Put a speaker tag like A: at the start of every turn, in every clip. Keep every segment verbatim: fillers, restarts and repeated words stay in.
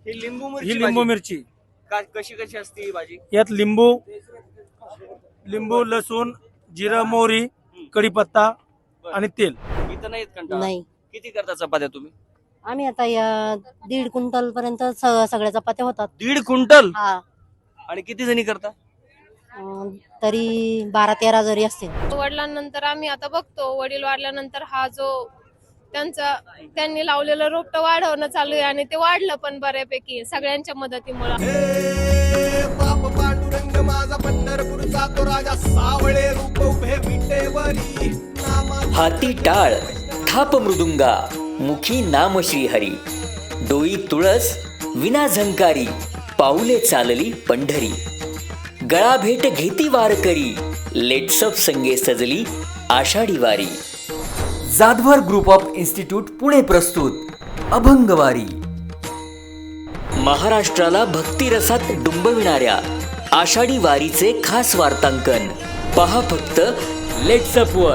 A: ही लिंबू मिरची
B: ही लिंबू
A: भाजी.
B: मिरची
A: का- कशी कशी असते ही भाजी?
B: यात लिंबू लिंबू लसूण जिरं मोहरी कढीपत्ता आणि तेल.
A: इथं नाहीत कंटाळा?
C: नाही.
A: किती करता चपात्या तुम्ही?
C: आम्ही आता या दीड क्विंटल पर्यंत स- सगळ्या चपात्या होतात.
A: दीड क्विंटल?
C: हा.
A: आणि किती जणी करता?
C: अं, तरी बारा तेरा जरी असतील.
D: वडिलांनंतर आम्ही आता बघतो, वडील वाढल्यानंतर हा जो त्यांचा त्यांनी लावलेलं रोपटं वाढवणं चालू आहे आणि ते वाढलं पण बऱ्यापैकी सगळ्यांच्या मदतीमुळे.
E: बाप पांडुरंग माझा पंढरपूरचा तो राजा सावळे रूप उभे विटेवरी
F: हाती टाळ थाप मृदुंगा मुखी नाम श्रीहरी डोई तुळस विना झंकारी पाऊले चालली पंढरी गळा भेट घेती वारकरी लेट्सअप संगे सजली Ashadhi Wari. Jadhavar group of institute Pune प्रस्तुत अभंगवारी. महाराष्ट्राला भक्तिरसात डुंबविणाऱ्या आषाढी वारीचे खास वार्तांकन पहा फक्त लेट्सअप वर.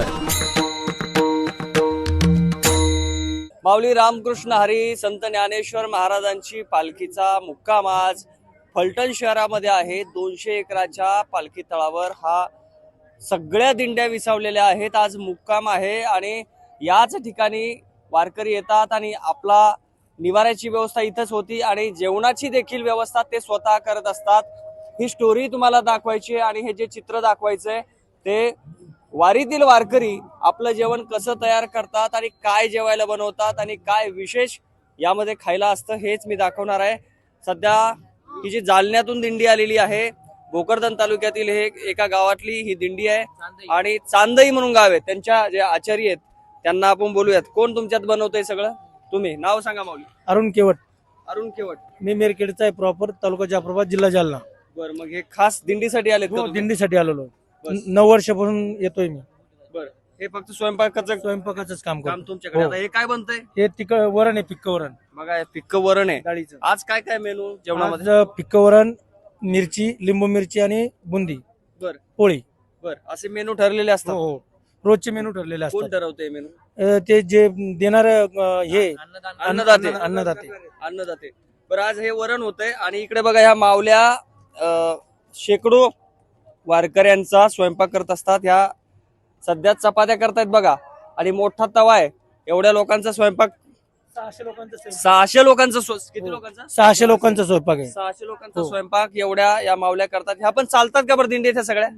A: माऊली रामकृष्ण हरी संत ज्ञानेश्वर महाराजांची पालखीचा मुक्काम आज फलटण शहरामध्ये आहे. दोनशे एकराच्या पालखी तळावर हा सगळ्या दिंड्या विसावलेल्या आहेत. आज मुक्काम आहे आणि याच ठिकाणी वारकरी येतात आणि आपला निवाऱ्याची व्यवस्था इथंच होती आणि जेवणाची देखील व्यवस्था ते स्वतः करत असतात. ही स्टोरी तुम्हाला दाखवायची आहे आणि हे जे चित्र दाखवायचंय ते वारीतील वारकरी आपलं जेवण कसं तयार करतात आणि काय जेवायला बनवतात आणि काय विशेष यामध्ये खायला असतं हेच मी दाखवणार आहे. सध्या ही जी जालन्यातून दिंडी आलेली आहे, भोकरदन तालुक्यातील हे एका गावातली ही दिंडी आहे आणि चांदई म्हणून गाव आहे. त्यांच्या जे आचार्य आहेत त्यांना आपण बोलूयात. कोण तुमच्यात बनवतंय सगळं? तुम्ही नाव सांगा माऊली.
B: अरुण केवट.
A: अरुण केवट.
B: मी मेरखेडचा आहे, प्रॉपर तालुका जाफराबाद जिल्हा जालना.
A: बर, मग हे खास दिंडीसाठी आलेत का
B: हो,
A: तुम्ही?
B: दिंडीसाठी आलेलो.
A: बस.
B: नऊ वर्षापासून येतोय मी.
A: बर, हे फक्त स्वयंपाकाचं
B: स्वयंपाकाच काम
A: काम
B: करतो.
A: तुमच्याकडे.
B: हो.
A: आता हे काय बनतंय?
B: हे तिक वरण आहे, पिक्क वरण
A: बघा, हे पिक्क वरण आहे.
B: डाळीचं.
A: आज काय काय मेनू जेवणामध्ये?
B: आज पिक्क वरण, मिरची, लिंबू मिरची आणि बुंदी
A: बर
B: पोळी.
A: बर, असे मेनू ठरलेले
B: हो
A: असतात.
B: हो, रोजचे मेनू ठरलेले
A: कोण
B: असतात.
A: ठरवते मेनू?
B: अ, ते जे देणार हे
A: अन्नदाते.
B: अन्नदाते.
A: अन्नदाते. बरं, आज हे वरण होतंय आणि इकडे बघा ह्या मावल्या अं, शेकडो वारकऱ्यांचा स्वयंपाक करत असतात. ह्या सध्या चपात्या करतायत बघा आणि मोठा तवा आहे. एवढ्या लोकांचा स्वयंपाक,
B: सहाशे लोकांचा
A: सहाशे लोकांचा स्व- किती
B: हो.
A: लोकांचा?
B: सहाशे लोकांचा स्वयंपाक आहे.
A: सहाशे लोकांचा
B: हो.
A: स्वयंपाक एवढ्या या मावल्या करतात. ह्या पण चालतात का बरं दिंडीच्या सगळ्या?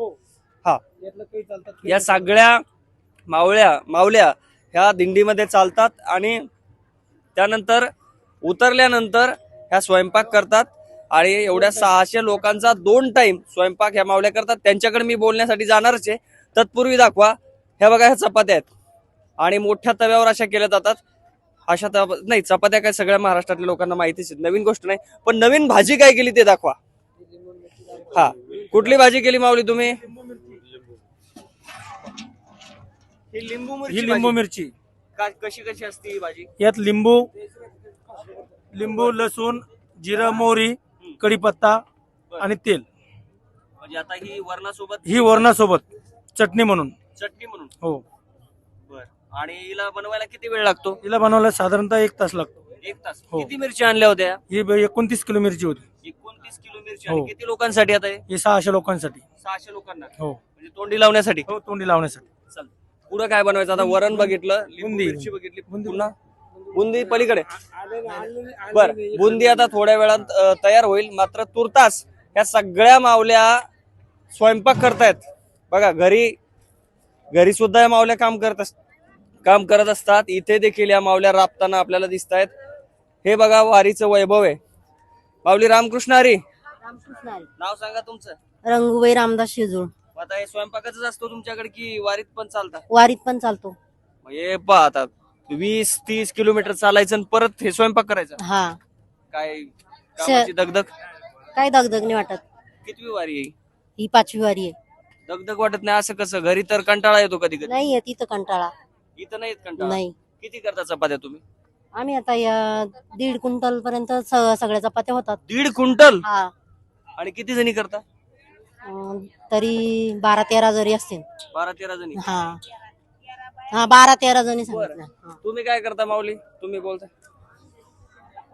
A: हा, या सगळ्या मावळ्या मावल्या ह्या दिंडीमध्ये चालतात आणि त्यानंतर उतरल्यानंतर ह्या स्वयंपाक करतात आणि एवढ्या सहाशे लोकांचा दोन टाइम स्वयंपाक ह्या मावल्या करतात. त्यांच्याकडे मी बोलण्यासाठी जाणारच आहे. तत्पूर्वी दाखवा, ह्या बघा ह्या चपात्या आहेत आणि मोठ्या तव्यावर अशा केल्या जातात. अशा तवा नाही, चपात्या काय सगळ्या महाराष्ट्रातल्या लोकांना माहितीच आहे, नवीन गोष्ट नाही. पण नवीन भाजी काय केली ते दाखवा. हा, कुठली भाजी केली माऊली तुम्ही? ही लिंबू
B: ही
A: मिरची
B: लिंबू
A: भाजी.
B: मिरची.
A: का- कशी कशी असते ही भाजी?
B: यात लिंबू लिंबू लसूण जिरं मोहरी कढीपत्ता आणि तेल.
A: म्हणजे आता ही वरणासोबत
B: ही वरणासोबत चटणी म्हणून.
A: चटणी म्हणून.
B: हो,
A: बर, आणि हिला बनवायला किती वेळ लागतो?
B: हिला बनवायला साधारणतः एक तास लागतो.
A: एक तास.
B: हो.
A: किती मिरची आणल्या होत्या?
B: ही ब- एकोणतीस किलो मिरची होती.
A: एकोणतीस किलो मिरची. आणि
B: हो.
A: किती लोकांसाठी आता हे?
B: ही सहाशे लोकांसाठी.
A: सहाशे लोकांना.
B: हो
A: म्हणजे तोंडी लावण्यासाठी.
B: हो, तोंडी लावण्यासाठी.
A: चल, पुढं काय बनवायचं आता? वरण बघितलं, लिंबू
B: बुंदी.
A: मिरची बघितली,
B: बुंदी.
A: पुन्हा बुंदी पलीकडे. बर, बुंदी आता थोड्या वेळात अ, तयार होईल. मात्र तुर्तास ह्या सगळ्या मावल्या स्वयंपाक करतायत. बघा, घरी घरी सुद्धा या मावल्या काम करत अस- काम करत असतात. इथे देखील या मावल्या राबताना आपल्याला दिसत आहेत. हे बघा वारीचं वैभव आहे. माऊली रामकृष्ण हरी. नाव सांगा तुमचं.
C: रंगूबाई रामदास शिजूळ.
A: आता हे स्वयंपाकाच असतो तुमच्याकडे की वारीत पण चालता?
C: वारीत पण चालतो.
A: मग हे पहा, आता वीस तीस किलोमीटर चालायचं आणि परत हे स्वयंपाक करायचा.
C: हा.
A: काय कामाची दगदग.
C: काय दगदग नाही वाटत.
A: कितवी वारी आहे?
C: ही पाचवी वारी आहे.
A: दगदग वाटत नाही असं कसं? घरी तर कंटाळा येतो कधी कधी.
C: नाही येत इथं कंटाळा.
A: इथं नाही येत कंटाळा?
C: नाही.
A: किती करता चपात्या तुम्ही?
C: आम्ही आता या दीड क्विंटल पर्यंत स- सगळ्या चपात्या होतात.
A: दीड क्विंटल.
C: हा.
A: आणि किती जणी करता?
C: अं, तरी बारा तेरा जरी असतील.
A: बारा तेरा जणी.
C: हा हा, बारा तेरा जणी सांगितलं. हा.
A: तुम्ही काय करता माऊली? तुम्ही बोलता.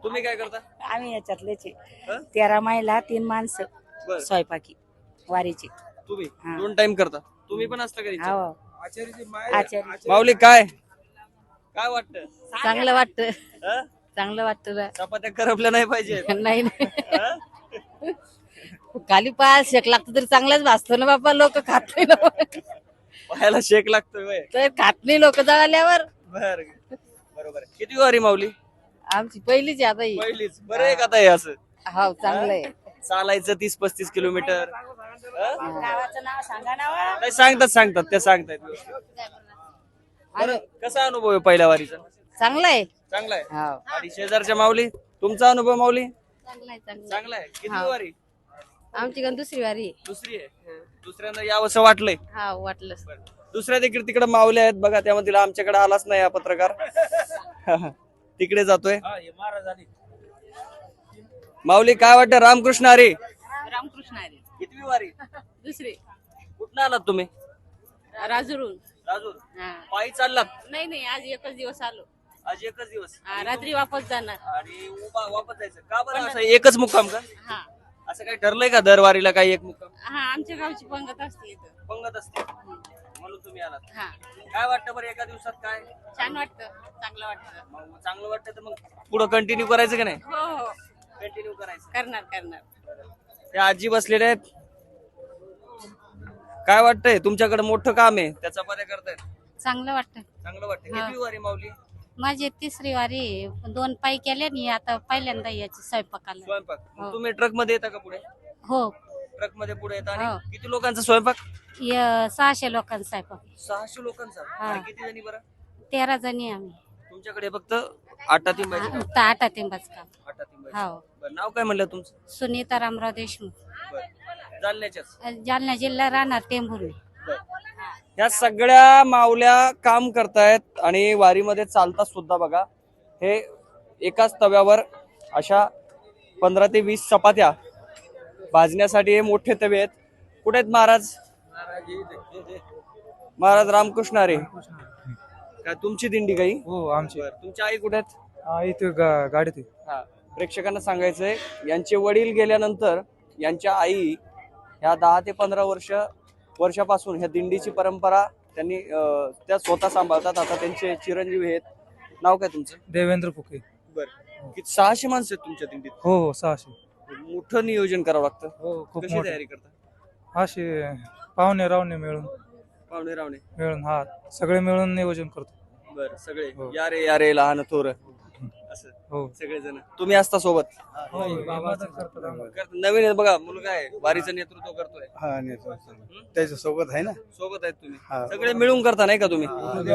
A: तुम्ही काय करता?
G: आम्ही याच्यातलेच आहे.
A: हं?
G: तेरा महिला तीन माणसं
A: बर
G: स्वयंपाकी वारीची.
A: तुम्ही
G: हा.
A: दोन टाइम करता, तुम्ही पण असता घरी?
G: हो आचार्य.
A: माऊली काय काय वाटतं?
C: चांगलं वाटतं
A: हं?
C: चांगलं वाटतं
A: चपात्या करपल्या नाही पाहिजे.
C: नाही नाही खाली पाय शेक लागतं तरी चांगलाच भासतो ना बाबा. लोक खात नाही ना.
A: पायाला शेक लागतोय व्हय.
C: तर खात नाही लोक जळाल्यावर.
A: बर बरोबर आहे. किती वारी माऊली?
C: आमची पहिलीच आहे आता ही.
A: पहिलीच. बरं आहे का आता हे असं
C: हो चांगलं आहे.
A: चालायचं तीस पस्तीस किलोमीटर? हं?
G: गावाचं नाव सांगा नाव.
A: नाही सांगतात सांगतात त्या सांगतायत. बरं कसा अनुभव आहे पहिल्या वारीचा?
C: चांगलं आहे.
A: चांगला आहे.
C: हो
A: आणि शेजारच्या माऊली, तुमचा अनुभव माऊली?
C: चांगलं आहे चांगलं
A: चांगला आहे. किती
C: हा.
A: वारी?
C: आमची गण दुसरी वारी आहे.
A: दुसरी आहे. दुसऱ्यांदा यावंसं वाटलंय?
C: हा वाटलं.
A: दुसऱ्या देखील तिकडे माऊली आहेत बघा, त्यामध्ये आमच्याकडे आलाच नाही हा पत्रकार. तिकडे जातोय. माऊली काय वाटतं? रामकृष्ण हरी.
C: रामकृष्ण हरी.
A: कितवी वारी?
C: दुसरी.
A: कुठं आलात तुम्ही?
C: राजूरून.
A: राजूर.
C: हा.
A: पायी चाललात?
C: नाही नाही आज एकच दिवस आलो.
A: आज एकच दिवस
C: हा, रात्री वापस जाणार.
A: आणि उभा वापस जायचं का बरं? असं एकच मुक्काम का?
C: हा
A: असं काही ठरलंय का दरवारीला काही एक मुक्काम?
C: हा आमच्या गावची पंगत असते इथं.
A: पंगत असते म्हणून तुम्ही आलात.
C: हा
A: काय वाटतं बरं एका दिवसात काय?
C: छान वाटतं चांगलं वाटतं.
A: मग चांगलं वाटतं तर मग पुढं कंटिन्यू करायचं की नाही?
C: हो हो
A: कंटिन्यू करायचं.
C: करणार करणार.
A: त्या आजी बसलेल्या आहेत. काय वाटतंय? तुमच्याकडे मोठं काम आहे, त्याचा चपात्या करतायत.
C: चांगलं वाटतं.
A: चांगलं वाटतं.
C: हा.
A: किती वारी माऊली?
C: माझी तिसरी वारी आहे. दोन पायी केल्या नी आता पहिल्यांदा याची स्वयंपाकाला.
A: स्वयंपाक
C: हो.
A: तुम्ही ट्रक मध्ये येता का पुढे?
C: हो
A: ट्रक मध्ये पुढे येता.
C: हो.
A: आणि किती लोकांचा स्वयंपाक?
C: य- सहाशे लोकांचा स्वयंपाक.
A: सहाशे लोकांचा.
C: हा.
A: आणि किती जणी बरं?
C: तेरा जणी आम्ही.
A: तुमच्याकडे फक्त आटा तिंबायचं काम?
C: फक्त आटा तिंबाच काम.
A: आटा तिंबायचं.
C: हो
A: बरं, नाव काय म्हणलं तुमचं?
C: सुनीता रामराव देशमुख.
A: बरं. जालन्याच्याच?
C: जालना जिल्हा राहणार टेंभुर्णी.
A: या सगळ्या माऊल्या काम करतायत आणि वारीमध्ये चालतात सुद्धा बघा. हे एकाच तव्यावर अशा पंधरा ते वीस चपात्या भाजण्यासाठी हे मोठे तवे आहेत. कुठे आहेत महाराज? महाराज रामकृष्ण हरी. काय तुमची दिंडी काही?
B: हो आमची.
A: बरं. तुमची आई कुठे आहेत?
B: हा, इथे गा- गाडीत आहे.
A: हा. प्रेक्षकांना सांगायचंय यांचे वडील गेल्यानंतर यांच्या आई ह्या दहा ते पंधरा वर्ष वर्षापासून ह्या दिंडीची परंपरा त्यांनी अं, त्या स्वतः सांभाळतात. आता त्यांचे चिरंजीव आहेत. नाव काय तुमचं?
B: देवेंद्र फुके.
A: बरं. किती सहाशे माणसं आहेत तुमच्या दिंडीत?
B: हो हो सहाशे.
A: मोठं नियोजन करावं लागतं.
B: हो खूप
A: कशी
B: मोठे.
A: तयारी करता?
B: असे पाहुणे रावणे मिळून
A: पाहुणे रावणे
B: मिळून हा सगळे मिळून नियोजन करतो.
A: बरं. सगळे
B: हो.
A: या रे या रे लहान थोर असं
B: हो
A: सगळे जण तुम्ही असता सोबत? करतात. नवीन आहे बघा, मुलगा आहे वारीचं नेतृत्व करतोय.
H: हा नेतृत्व त्याच्या सोबत आहे ना.
A: सोबत आहेत तुम्ही
H: हा.
A: सगळे मिळून करता नाही का तुम्ही?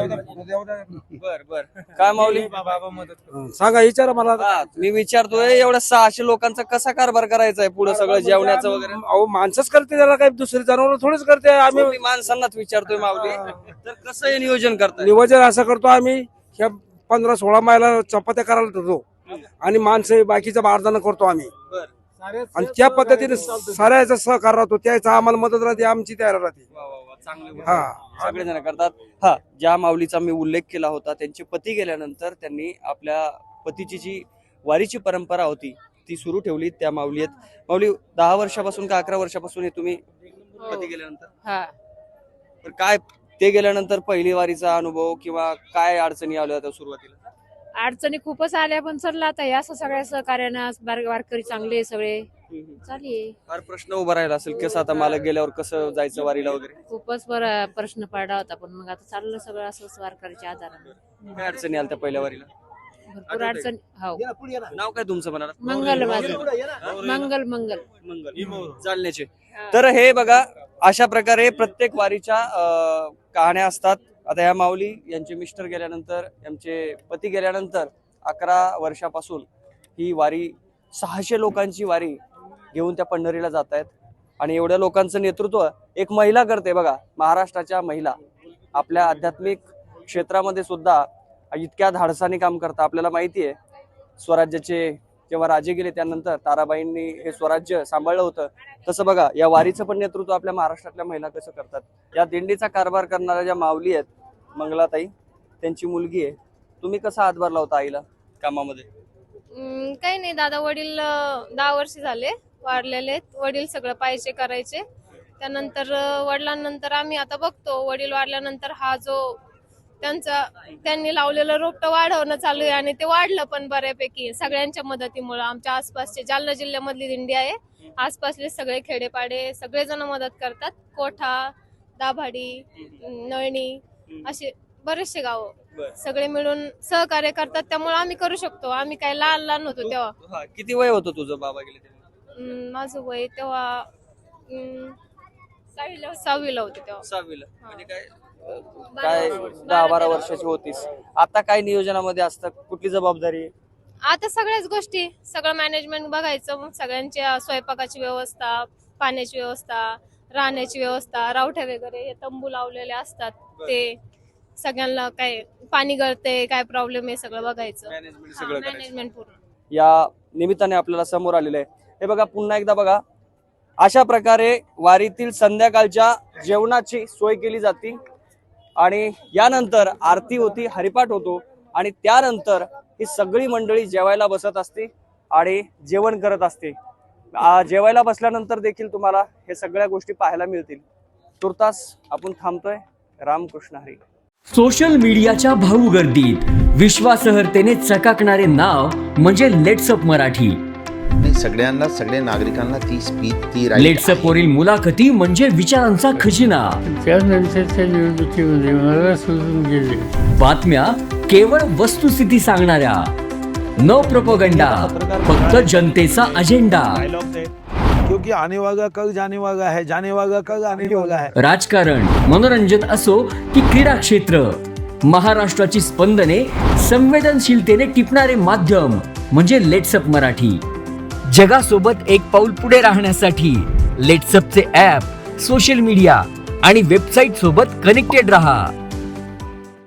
A: बर बर. काय माऊली?
B: बाबा मदत करतो.
H: सांगा विचारा मला.
A: हा, मी विचारतोय एवढ्या सहाशे लोकांचा कसा कारभार करायचा आहे पुढे सगळं जेवणाचं वगैरे?
H: अहो माणसंच करते त्याला, काही दुसरी जनावर थोडीच करते. आम्ही
A: मी माणसांनाच विचारतोय माऊली, तर कसं हे नियोजन करताय?
H: नियोजन असं करतो आम्ही. ह्या पंधरा सोळा मायला चपात्या करायला ठरतो आणि माणसं बाकीचं बारदाना करतो आम्ही.
A: बर.
H: आणि त्या पद्धतीने साऱ्याचा सहकार राहतो. त्याचा आम्हाला मदत राहते, आमची तयार राहते.
A: वा, वा, वा, चांगली गोष्ट.
H: हा.
A: सगळे जण करतात. हा, ज्या माऊलीचा मी उल्लेख केला होता त्यांचे पती गेल्यानंतर त्यांनी आपल्या पतीची जी वारीची परंपरा होती ती सुरू ठेवली. त्या माऊली आहेत. माऊली दहा वर्षापासून का अकरा वर्षापासून हे तुम्ही पती गेल्यानंतर?
C: हा
A: तर काय ते गेल्यानंतर पहिली वारीचा अनुभव किंवा काय अडचणी आल्या होत्या सुरुवातीला?
I: अडचणी खूपच आल्या पण चाललं आता हे असं सगळ्या सहकार्यानं बार- वारकरी चांगले सगळे चालेल.
A: फार प्रश्न उभा राहिला असेल कसं आता मला गेल्यावर कसं जायचं वारीला वगैरे?
I: खूपच बरं प्रश्न पडला होता पण मग आता चाललं सगळं असंच वारकरीच्या आधारानं.
A: काय अडचणी आल्या त्या पहिल्या वारीला?
I: भरपूर अडचण. हो
A: नाव काय तुमचं म्हणाला?
I: मंगल माझं मंगल मंगल
A: मंगल चालण्याचे. तर हे बघा अशा प्रकारे प्रत्येक वारीच्या अं, कहाण्या असतात. आता या माऊली यांचे मिस्टर गेल्यानंतर यांचे पती गेल्यानंतर अकरा वर्षापासून ही वारी सहाशे लोकांची वारी घेऊन त्या पंढरीला जात आहेत. आणि एवढ्या लोकांचं नेतृत्व एक महिला करते बघा. महाराष्ट्राच्या महिला आपल्या आध्यात्मिक क्षेत्रामध्ये सुद्धा इतक्या धाडसाने काम करतात. आपल्याला माहिती आहे स्वराज्याचे जेव्हा राजे गेले त्यानंतर ताराबाईंनी हे स्वराज्य सांभाळलं होतं. तसं बघा या वारीचं पण नेतृत्व आपल्या महाराष्ट्रातल्या महिला कसं करतात. या दिंडीचा कारभार करणाऱ्या ज्या माऊली आहेत मंगलाताई त्यांची मुलगी आहे. तुम्ही कसा हातभार लावता आईला कामामध्ये?
D: अं, काही नाही दादा वडील अं, दहा वर्ष झाले वारलेले आहेत. वडील सगळं पाहिजे करायचे. त्यानंतर अं, वडिलांनंतर आम्ही आता बघतो वडील वारल्यानंतर हा जो त्यांचा त्यांनी लावलेलं रोपटं वाढवणं चालू आहे आणि ते वाढलं पण बऱ्यापैकी सगळ्यांच्या मदतीमुळे. आमच्या आसपासचे जालना जिल्ह्यामधली दिंडी आहे. आसपासले सगळे खेडेपाडे सगळेजण मदत करतात. कोठा, दाभाडी, नळणी असे बरेचसे गाव सगळे मिळून सहकार्य करतात. त्यामुळे आम्ही करू शकतो. आम्ही काय लहान लहान होतो तेव्हा.
A: हा, किती वय होतं तुझं बाबा गेले तेव्हा?
D: अं, माझं वय तेव्हा अं, सहावीला सहावीला होते तेव्हा.
A: सहावीला म्हणजे काय अं, काय दहा बारा वर्षाची होतीस. आता काय नियोजनामध्ये असतं, कुठली जबाबदारी?
D: आता सगळ्याच गोष्टी सगळं मॅनेजमेंट बघायचं. मग स्वयंपाकाची स्वयंपाकाची व्यवस्था, पाण्याची व्यवस्था, राहण्याची व्यवस्था, रावठ्या वगैरे हे तंबू लावलेले असतात ते सगळ्यांना काय पाणी गळते काय प्रॉब्लेम आहे सगळं बघायचं.
A: मॅनेजमेंट सगळं करायचं.
D: मॅनेजमेंट पूर्ण
A: या निमित्ताने आपल्याला समोर आलेलं आहे. हे बघा पुन्हा एकदा बघा, अशा प्रकारे वारीतील संध्याकाळच्या जेवणाची सोय केली जाते आणि यानंतर आरती होती, हरिपाठ होतो आणि त्यानंतर ही सगळी मंडळी जेवायला बसत असते आणि जेवण करत असते. आ, जेवायला बसल्यानंतर देखील तुम्हाला हे सगळ्या गोष्टी पाहायला मिळतील. तुर्तास आपण थांबतोय. रामकृष्ण हरी.
F: सोशल मीडियाच्या भाऊ गर्दीत विश्वासार्हतेने चकाकणारे नाव म्हणजे लेट्सअप मराठी.
J: नाही, सगळ्यांना सगळ्या नागरिकांना ती स्पीच ती right
F: लेट्सअप वरील मुलाखती म्हणजे विचारांचा खजिना.
B: त्यानंतरच्या निवडणुकीमध्ये मला सोडून गेले.
F: बातम्या केवळ वस्तुस्थिती सांगणाऱ्या, न प्रोपगंडा, फक्त जनतेचा अजेंडा.
E: क्योंकि आने वाला कल जाने वाला है, जाने वाला कल आने वाला है.
F: राजकारण, मनोरंजन असो की क्रीडा क्षेत्र, महाराष्ट्राची स्पंदने संवेदनशीलतेने टिपणारे माध्यम म्हणजे लेट्सअप मराठी. जगासोबत एक पाऊल पुढे राहण्यासाठी लेट्सअपचे ॲप, सोशल मीडिया आणि वेबसाईट सोबत कनेक्टेड रहा.